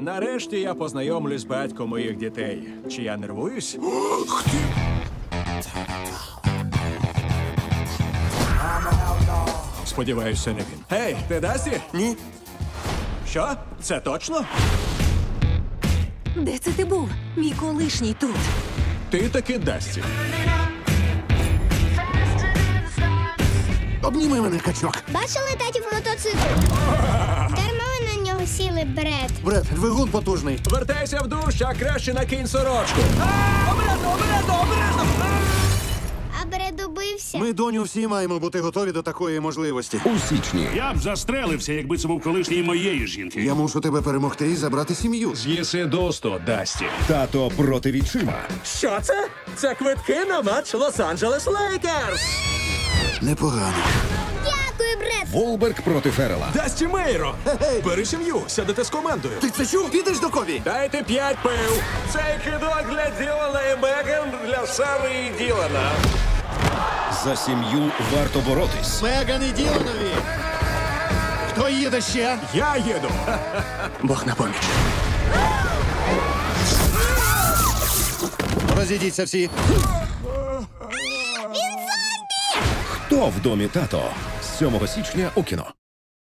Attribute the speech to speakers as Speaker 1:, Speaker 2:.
Speaker 1: Нарешті я познайомлюсь з батьком моїх дітей. Чи я нервуюсь? Сподіваюся, не він. Гей, ти Дасті?
Speaker 2: Ні.
Speaker 1: Що? Це точно?
Speaker 3: Де це ти був? Мій колишній тут.
Speaker 1: Ти таки Дасті.
Speaker 2: Обніми мене, качок.
Speaker 4: Бачили татів мотоцикл? Дарма ви на нього сіли, Бред.
Speaker 2: Бред, двигун потужний.
Speaker 1: Вертайся в душ, а краще накинь сорочку.
Speaker 4: А Бред убився.
Speaker 2: Ми, доню, всі маємо бути готові до такої можливості.
Speaker 5: У січні.
Speaker 6: Я б застрелився, якби це був колишній моєї жінки.
Speaker 2: Я мушу тебе перемогти і забрати сім'ю.
Speaker 1: З'їси досто, Дасті.
Speaker 5: Тато проти відчима.
Speaker 1: Що це? Це квитки на матч Лос-Анджелес Лейкерс.
Speaker 2: Непогано.
Speaker 4: Дякую, Бред.
Speaker 5: Волберг проти Феррела.
Speaker 1: Дасті Мейро! Бери сім'ю, сядете з командою.
Speaker 2: Ти це чув? Підеш до Кові?
Speaker 1: Дайте 5 пив.
Speaker 7: Цей кидок для Ділана і Меган, для Сари і Ділана.
Speaker 5: За сім'ю варто боротись.
Speaker 2: Меган і Діланові. Хто їде ще?
Speaker 1: Я їду.
Speaker 2: Бог на поміч. Розійдіться всі.
Speaker 5: Хто в домі тато? З 7 січня у кіно.